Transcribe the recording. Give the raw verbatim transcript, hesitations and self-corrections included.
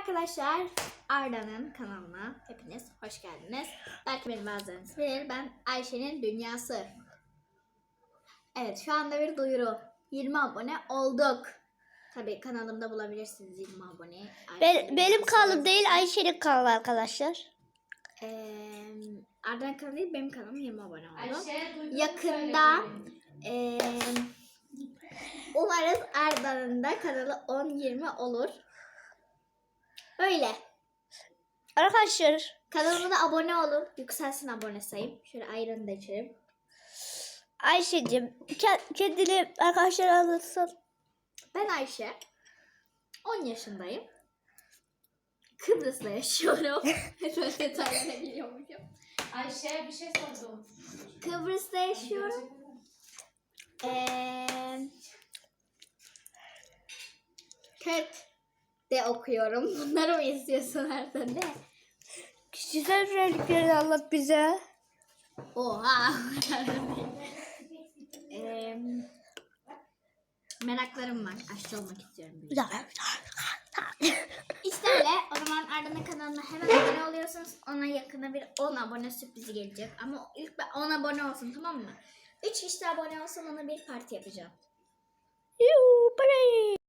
Arkadaşlar, Arda'nın kanalına hepiniz hoş geldiniz. Belki benim bazılarınız bilir, ben Ayşe'nin Dünyası. Evet, şu anda bir duyuru. yirmi abone olduk. Tabii kanalımda bulabilirsiniz yirmi aboneyi. Ben, benim kanalım değil, Ayşe'nin kanalı arkadaşlar. Ee, Arda'nın kanalı değil, benim kanalım yirmi abone oldu. Ayşe, Yakında e, umarız Arda'nın da kanalı on yirmi olur. Böyle. Arkadaşlar, Kanalıma da abone olun. Yükselsin abone sayım. Şöyle ayranı da içelim. Ayşe'cim ke- kendini arkadaşlar anlatsın. Ben Ayşe. on yaşındayım. Kıbrıs'ta yaşıyorum. Böyle detaylara giriyormuşum. Ayşe bir şey sordum. Kıbrıs'ta yaşıyorum. Ee, Ket de okuyorum. Bunları mı istiyorsun Ertan de? Kişisel özelliklerini anlat bize. Oha. ee, meraklarım var. Aşçı olmak istiyorum. İşte öyle. O zaman Arda'nın kanalına hemen abone oluyorsunuz. Ona yakında bir on abone sürprizi gelecek. Ama ilk on abone olsun, tamam mı? üç kişi de abone olsun, ona bir parti yapacağım. Yuu, bye.